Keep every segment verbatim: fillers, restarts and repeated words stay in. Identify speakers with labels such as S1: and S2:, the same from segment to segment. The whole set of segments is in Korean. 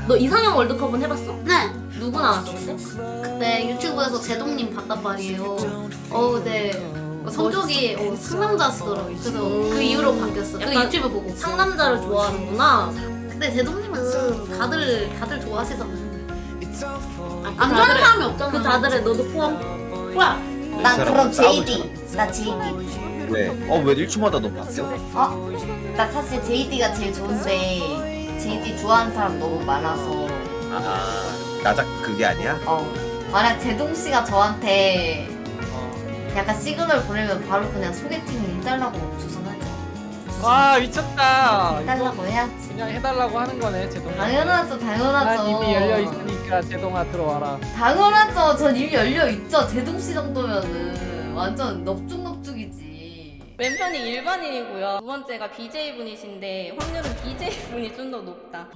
S1: 너 이상형 월드컵은 해봤어?
S2: 네.
S1: 누구 나왔어 근데?
S2: 그때 유튜브에서 제동님 봤단 말이에요. 어 근데 성적이 어, 상남자시더라고요. 그래서 그 이후로 바뀌었어. 그
S1: 약간
S2: 유튜브 보고.
S1: 상남자를 좋아하는구나.
S2: 근데 제동님은 다들 다들 좋아하시잖아요.
S1: 아, 그
S2: 안 좋아하는
S1: 다들에-
S2: 사람이 없잖아.
S1: 그 다들에 너도 포함.
S2: 뭐야?
S3: 난 그럼
S4: 제이디.
S3: 나 제이디.
S4: 왜? 어, 왜 일주마다 너 바뀌어?
S3: 어? 나 사실 제이디가 제일 좋은데 제이디 좋아하는 사람 너무 많아서
S4: 아, 나작 그게 아니야?
S3: 어 만약 제동 씨가 저한테
S4: 어.
S3: 약간 시그널 보내면 바로 그냥 소개팅 해달라고 주선하죠.
S5: 와 미쳤다.
S3: 해달라고 해야지.
S5: 그냥 해달라고 하는 거네 제동.
S3: 당연하죠, 당연하죠.
S5: 난 이미 열려 있으니까 제동아 들어와라.
S3: 당연하죠. 전 이미 열려 있죠. 제동 씨 정도면은 완전 넙죽넙죽이지.
S1: 왼편이 일반인이고요. 두 번째가 비제이 분이신데 확률은 비제이 분이 좀 더 높다.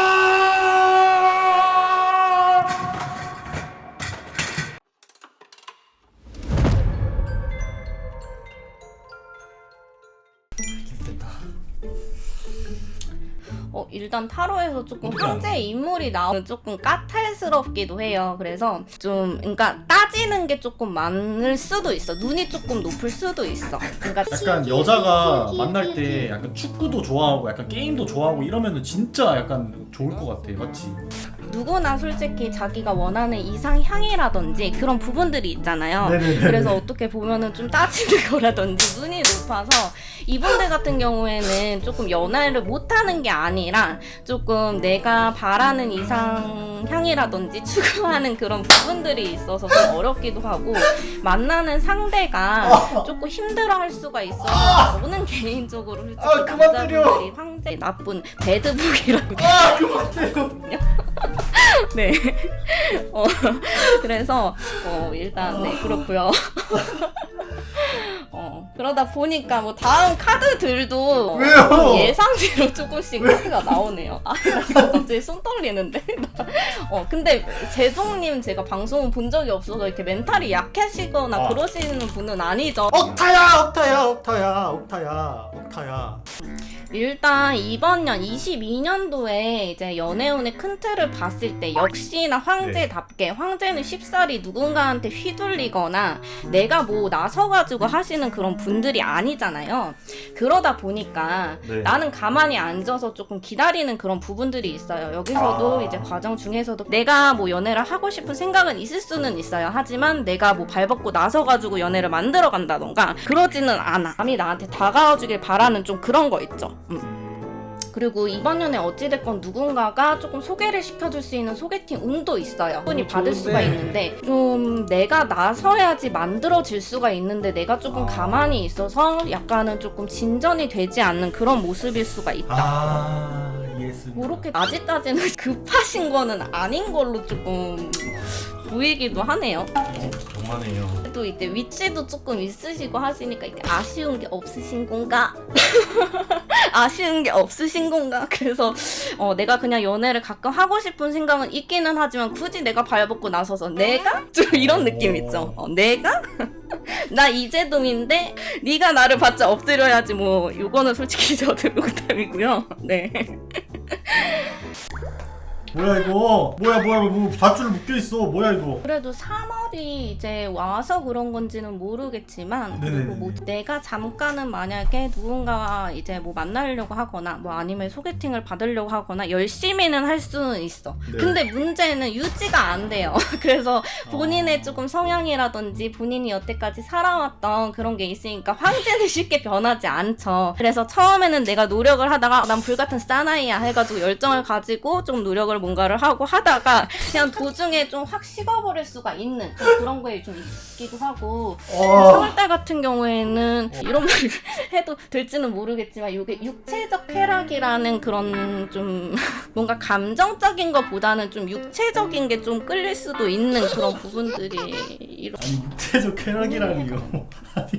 S1: 어, 일단 타로에서 조금 황제 인물이 나오면 조금 까탈스럽기도 해요. 그래서 좀, 그러니까 따지는 게 조금 많을 수도 있어. 눈이 조금 높을 수도 있어. 그러니까
S6: 약간 여자가 만날 때 약간 축구도 좋아하고 약간 게임도 좋아하고 이러면은 진짜 약간 좋을 것 같아. 맞지?
S1: 누구나 솔직히 자기가 원하는 이상향이라든지 그런 부분들이 있잖아요.
S6: 네네네.
S1: 그래서 어떻게 보면은 좀 따지는 거라든지 눈이 높아서 이분들 같은 경우에는 조금 연애를 못하는 게 아니라 조금 내가 바라는 이상향이라든지 추구하는 그런 부분들이 있어서 좀 어렵기도 하고 만나는 상대가 조금 힘들어할 수가 있어서 저는 개인적으로 솔직히
S6: 아, 그만 때려.
S1: 남자분들이 황제 나쁜 배드북이라고
S6: 아 그만 때려.
S1: 네. 어, 그래서, 어, 일단, 네, 그렇고요 어, 그러다 보니까 뭐 다음 카드들도
S6: 왜요?
S1: 예상대로 조금씩 카드가 나오네요. 아, 나 이거 갑자기 손 떨리는데? 어, 근데 제동님 제가 방송을 본 적이 없어서 이렇게 멘탈이 약하시거나
S6: 아.
S1: 그러시는 분은 아니죠.
S6: 억타야, 억타야, 억타야, 억타야, 억타야.
S1: 일단 이번 년 이십이 년도에 이제 연애운의 큰 틀을 봤을 때 역시나 황제답게 황제는 쉽사리 누군가한테 휘둘리거나 내가 뭐 나서가지고 하시는 그런 분들이 아니잖아요. 그러다 보니까
S6: 네.
S1: 나는 가만히 앉아서 조금 기다리는 그런 부분들이 있어요. 여기서도
S6: 아.
S1: 이제 과정 중에서도 내가 뭐 연애를 하고 싶은 생각은 있을 수는 있어요. 하지만 내가 뭐 발벗고 나서가지고 연애를 만들어 간다던가 그러지는 않아. 남이 나한테 다가와주길 바라는 좀 그런 거 있죠. 음. 그리고 이번 년에 어찌됐건 누군가가 조금 소개를 시켜줄 수 있는 소개팅 운도 있어요. 분이 받을
S6: 좋은데.
S1: 수가 있는데 좀 내가 나서야지 만들어질 수가 있는데 내가 조금
S6: 아.
S1: 가만히 있어서 약간은 조금 진전이 되지 않는 그런 모습일 수가 있다.
S6: 아 이해했습니다.
S1: 그렇게 아직까지는 급하신 거는 아닌 걸로 조금 보이기도 하네요.
S6: 정말이에요.
S1: 또 이때 위치도 조금 있으시고 하시니까 이게 아쉬운 게 없으신 건가? 아쉬운 게 없으신 건가? 그래서 어, 내가 그냥 연애를 가끔 하고 싶은 생각은 있기는 하지만 굳이 내가 발벗고 나서서 내가? 좀 이런 느낌 있죠. 어, 내가? 나 이재동인데 네가 나를 받자 엎드려야지 뭐 요거는 솔직히 저도 농담이고요. 네.
S6: 뭐야 이거? 뭐야 뭐야 뭐 밧줄 묶여 있어? 뭐야 이거?
S1: 그래도 삼월이 이제 와서 그런 건지는 모르겠지만
S6: 네네네.
S1: 그리고 뭐 내가 잠깐은 만약에 누군가와 이제 뭐 만나려고 하거나 뭐 아니면 소개팅을 받으려고 하거나 열심히는 할 수는 있어.
S6: 네.
S1: 근데 문제는 유지가 안 돼요. 그래서 본인의 조금 성향이라든지 본인이 여태까지 살아왔던 그런 게 있으니까 황제는 쉽게 변하지 않죠. 그래서 처음에는 내가 노력을 하다가 난 불같은 사나이야 해가지고 열정을 가지고 좀 노력을 뭔가를 하고 하다가 그냥 도중에 좀 확 식어버릴 수가 있는 좀 그런 거에 좀 있기도 하고
S6: 어.
S1: 삼월달 같은 경우에는 이런 말을 해도 될지는 모르겠지만 이게 육체적 쾌락이라는 그런 좀 뭔가 감정적인 것보다는 좀 육체적인 게 좀 끌릴 수도 있는 그런 부분들이 이런
S6: 아니 육체적 쾌락이라니 이거. 아니.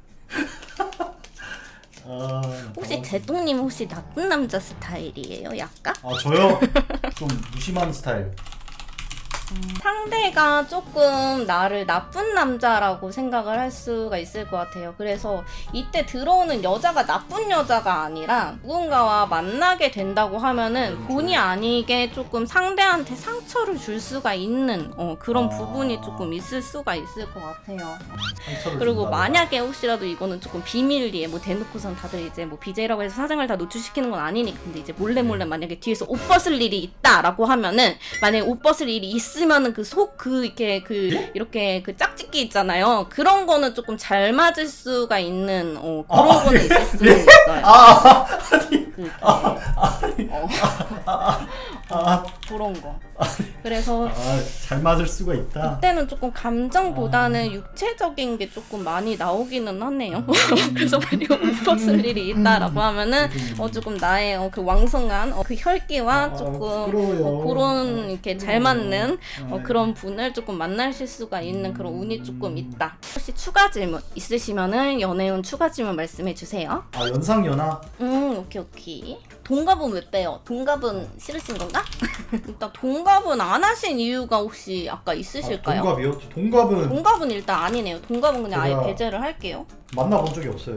S6: 아,
S1: 혹시 제동님 혹시 나쁜 남자 스타일이에요? 약간?
S6: 아 저요? 좀 무심한 스타일.
S1: 상대가 조금 나를 나쁜 남자라고 생각을 할 수가 있을 것 같아요. 그래서 이때 들어오는 여자가 나쁜 여자가 아니라 누군가와 만나게 된다고 하면은 본의 아니게 조금 상대한테 상처를 줄 수가 있는 어, 그런
S6: 아.
S1: 부분이 조금 있을 수가 있을 것 같아요.
S6: 상처를
S1: 그리고
S6: 준다고.
S1: 만약에 혹시라도 이거는 조금 비밀리에 뭐 대놓고선 다들 이제 뭐 비제이라고 해서 사생활 다 노출시키는 건 아니니까 근데 이제 몰래 몰래 만약에 뒤에서 옷 벗을 일이 있다라고 하면은 만약에 옷 벗을 일이 있으면은 그 속 그 이렇게 그 이렇게 그 짝짓기 있잖아요. 그런 거는 조금 잘 맞을 수가 있는 어 그런
S6: 아,
S1: 거는
S6: 예.
S1: 있을 수는 있어요.
S6: 아, 아니,
S1: 그,
S6: 아, 아니,
S1: 어,
S6: 아, 아,
S1: 그런 거. 그래서
S6: 아, 잘 맞을 수가 있다.
S1: 그때는 조금 감정보다는
S6: 아.
S1: 육체적인 게 조금 많이 나오기는 하네요. 그래서 만약 옷 벗을 일이 있다라고 하면은 어 조금 나의 어, 그 왕성한 어, 그 혈기와
S6: 아,
S1: 조금
S6: 부끄러워요.
S1: 어, 그런 이렇게 잘 맞는 어,
S6: 아,
S1: 그런 분을 조금 만나실 수가 있는 그런 운이 조금 있다. 혹시 추가 질문 있으시면은 연애운 추가 질문 말씀해 주세요.
S6: 아, 연상 연하.
S1: 음 오케이 오케이. 동갑은 왜 빼요? 동갑은 싫으신 건가? 일단 동갑은 안 하신 이유가 혹시 아까 있으실까요?
S6: 아, 동갑이요? 저 동갑은
S1: 동갑은 일단 아니네요. 동갑은 그냥 아예
S6: 제가-
S1: 배제를 할게요.
S6: 만나본 적이 없어요.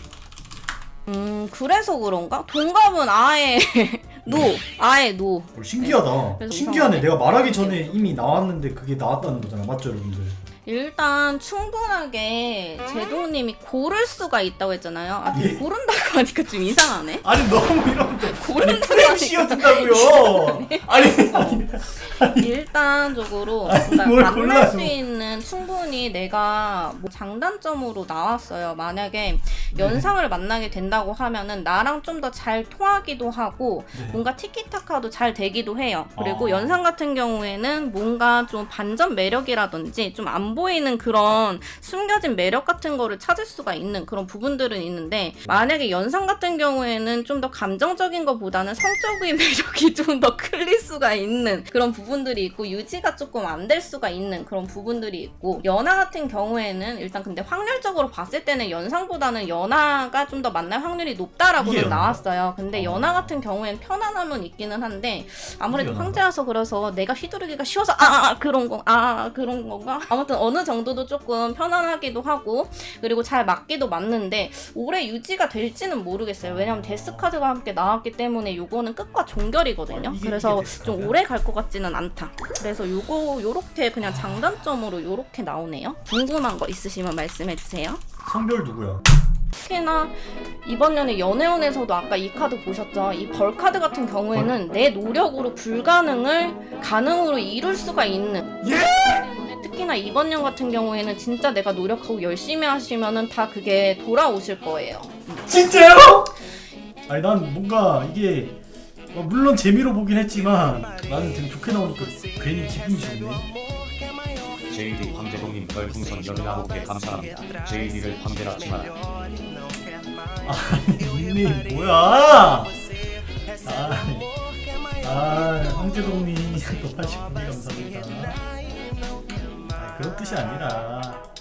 S1: 음 그래서 그런가? 동갑은 아예 노 아예 노.
S6: 어, 신기하다.
S1: 그래서
S6: 신기하네.
S1: 이상하네.
S6: 내가 말하기 전에 이미 나왔는데 그게 나왔다는 거잖아. 맞죠, 여러분들?
S1: 일단 충분하게 제동님이 고를 수가 있다고 했잖아요. 아,
S6: 예.
S1: 고른다고 하니까 좀 이상하네.
S6: 아니 너무 이러면 또
S1: 고른다고
S6: 프레임
S1: 하니까
S6: 씌워준다고요. 아니 아니
S1: 일단적으로
S6: 아니,
S1: 그러니까
S6: 뭘
S1: 만날
S6: 골라요.
S1: 수 있는 충분히 내가 뭐 장단점으로 나왔어요. 만약에 연상을 만나게 된다고 하면은 나랑 좀 더 잘 통하기도 하고
S6: 네.
S1: 뭔가 티키타카도 잘 되기도 해요. 그리고
S6: 아.
S1: 연상 같은 경우에는 뭔가 좀 반전 매력이라든지 좀 안 보이는 그런 숨겨진 매력 같은 거를 찾을 수가 있는 그런 부분들은 있는데 만약에 연상 같은 경우에는 좀 더 감정적인 것보다는 성적인 매력이 좀 더 클릴 수가 있는 그런 부분들이 있고 유지가 조금 안 될 수가 있는 그런 부분들이 있고 연하 같은 경우에는 일단 근데 확률적으로 봤을 때는 연상보다는 연하가 좀 더 만날 확률이 높다라고는
S6: 이게 연하야?
S1: 나왔어요. 근데
S6: 어.
S1: 연하 같은 경우에는 편안함은 있기는 한데 아무래도
S6: 이게 연하다.
S1: 황제라서 그래서 내가 휘두르기가 쉬워서 아, 아 그런 거 아 그런 건가 아무튼 어느 정도도 조금 편안하기도 하고 그리고 잘 맞기도 맞는데 오래 유지가 될지는 모르겠어요. 왜냐면 데스카드가 함께 나왔기 때문에 요거는 끝과 종결이거든요.
S6: 아, 이게-
S1: 그래서
S6: 이게
S1: 좀
S6: 데스카드야?
S1: 오래 갈 것 같지는 않다. 그래서 요거 요렇게 그냥 장단점으로 요렇게 나오네요. 궁금한 거 있으시면 말씀해 주세요.
S6: 성별 누구야?
S1: 특히나 이번 년에 연애운에서도 아까 이 카드 보셨죠? 이 벌 카드 같은 경우에는 내 노력으로 불가능을 가능으로 이룰 수가 있는
S6: 예?
S1: 때문에 특히나 이번 년 같은 경우에는 진짜 내가 노력하고 열심히 하시면은 다 그게 돌아오실 거예요.
S6: 진짜요? 아니 난 뭔가 이게 어, 물론 재미로 보긴 했지만 나는 되게 좋게 나오니까 괜히 기분이 좋네.
S7: 제이디 황제동님 별풍선 열아홉 개 감사합니다. 제이디를 황제라지 마라.
S6: 닉네임 뭐야? 아, 아 황제동님 또 팔십구 개 감사합니다. 아, 그런 뜻이 아니라